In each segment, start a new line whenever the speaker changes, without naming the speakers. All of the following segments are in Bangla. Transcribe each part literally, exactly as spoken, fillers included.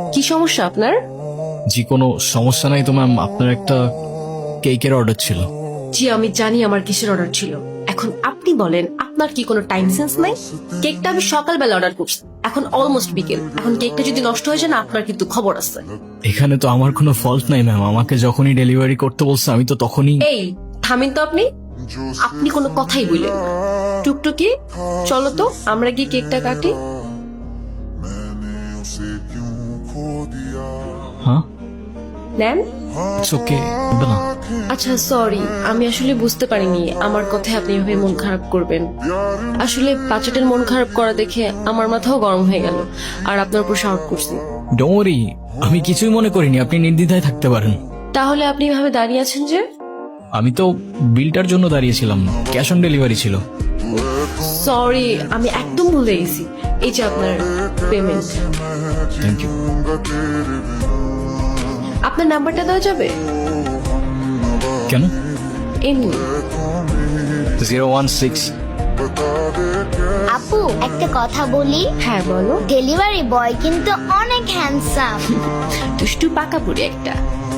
কি সমস্যা আপনার?
জি কোনো সমস্যা নাই তো ম্যাম, আপনার একটা কেকের অর্ডার ছিল।
জি আমি জানি আমার কিসের অর্ডার ছিল। এখন আপনি বলেন আপনার কি কোনো টাইম সেন্স নাই? কেকটা আমি সকালবেলা অর্ডার করছি, এখন অলমোস্ট বিকেল। এখন কেকটা যদি নষ্ট হয়ে যায় না, আপনার কিন্তু খবর আছে।
এখানে তো আমার কোনো ফল্ট নাই ম্যাম, আমাকে যখনই ডেলিভারি করতে বলছে আমি তো তখনই।
এই থামেন তো আপনি, আপনি কোনো কথাই বললেন না। টুকটুকি চলো তো আমরা গিয়ে কেকটা কাটি।
হ্যাঁ
নেন।
ইটস ওকে না।
আচ্ছা সরি, আমি আসলে বুঝতে পারিনি আমার কথায় আপনি এভাবে মন খারাপ করবেন। আসলে বাচ্চাটার মন খারাপ করা দেখে আমার মাথাও গরম হয়ে গেল, আর আপনার উপর শাউট করছি।
ডোন্ট ওয়ারি, আমি কিছুই মনে করিনি, আপনি নির্দ্বিধায় থাকতে পারেন।
তাহলে আপনি এভাবে দাঁড়িয়ে আছেন যে?
আমি তো বিলটার জন্য দাঁড়িয়েছিলাম, ক্যাশ অন ডেলিভারি ছিল।
সরি, আমি একদম ভুলে গেছি। এই যে আপনার পেমেন্ট।
Thank you.
আপনার নাম্বারটা দেওয়া যাবে?
কেন?
এমনি।
Zero one six.
আপু একটা কথা বলি,
হ্যাঁ বলো।
ডেলিভারি বয় কিন্তু অনেক হ্যান্ডসাম।
দুষ্টু পাকা পুরি একটা।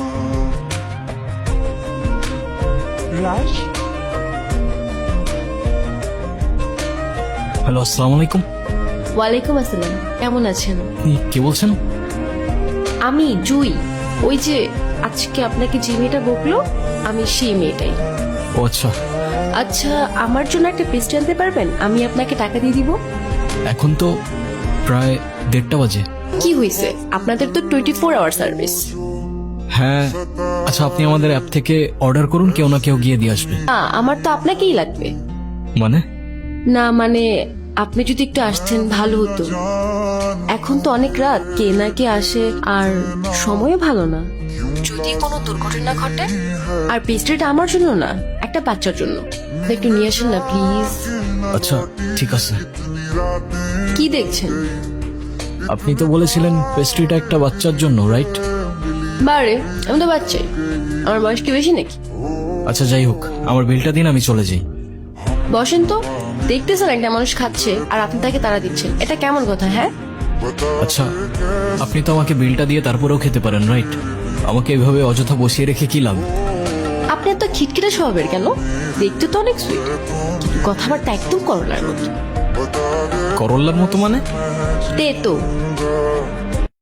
হ্যালো, আসসালামু আলাইকুম।
ওয়ালাইকুম আসসালাম, কেমন আছেন?
আপনি কে বলছেন?
আমি জুই, ওই যে আজকে আপনাকে যে মেয়েটা বকলো আমি সেই মেয়েটাই।
ও আচ্ছা।
আচ্ছা আমার জন্য একটা পেস্ট্রি আনতে পারবেন? আমি আপনাকে টাকা দিয়ে দিব।
এখন তো প্রায় দেড়টা বাজে।
কি হয়েছে, আপনাদের তো টোয়েন্টি ফোর আওয়ার সার্ভিস।
হ্যাঁ আচ্ছা, আপনি আমাদের অ্যাপ থেকে অর্ডার করুন, কেউ না কেউ গিয়ে দিয়ে আসবে।
না আমার তো আপনাকেই লাগবে।
মানে?
না মানে আপনি যদি একটু আসতেন ভালো হতো। এখন তো অনেক রাত, কে না কে আসে, আর সময় ভালো না। যদি কোনো দুর্ঘটনা ঘটে। আর পেস্ট্রিটা আমার জন্য না, একটা বাচ্চার জন্য। একটু নিয়ে আসেন না প্লিজ।
আচ্ছা ঠিক আছে।
কি দেখছেন?
আপনি তো বলেছিলেন পেস্ট্রিটা একটা বাচ্চার জন্য, রাইট?
বারে আমি তো বাচ্চাই, আমার বয়স কি বেশি নাকি?
আচ্ছা যাই হোক, আমার বিলটা দিন, আমি চলে যাই।
বসেন তো। দেখতেছেন একটা মানুষ খাচ্ছে আর আপনি তাকে তাড়া দিচ্ছেন, এটা কেমন কথা? হ্যাঁ
আচ্ছা আপনি তো আমাকে বিলটা দিয়ে তারপরেও খেতে পারেন, রাইট? আমাকে এভাবে অযথা বসিয়ে রেখে কি লাভ?
আপনি এত খিটখিটে স্বভাবের কেন? দেখতে তো অনেক সুইট, কিন্তু কথাবার্তা একদম করলার মতো।
করল্লার মতো মানে?
তে তো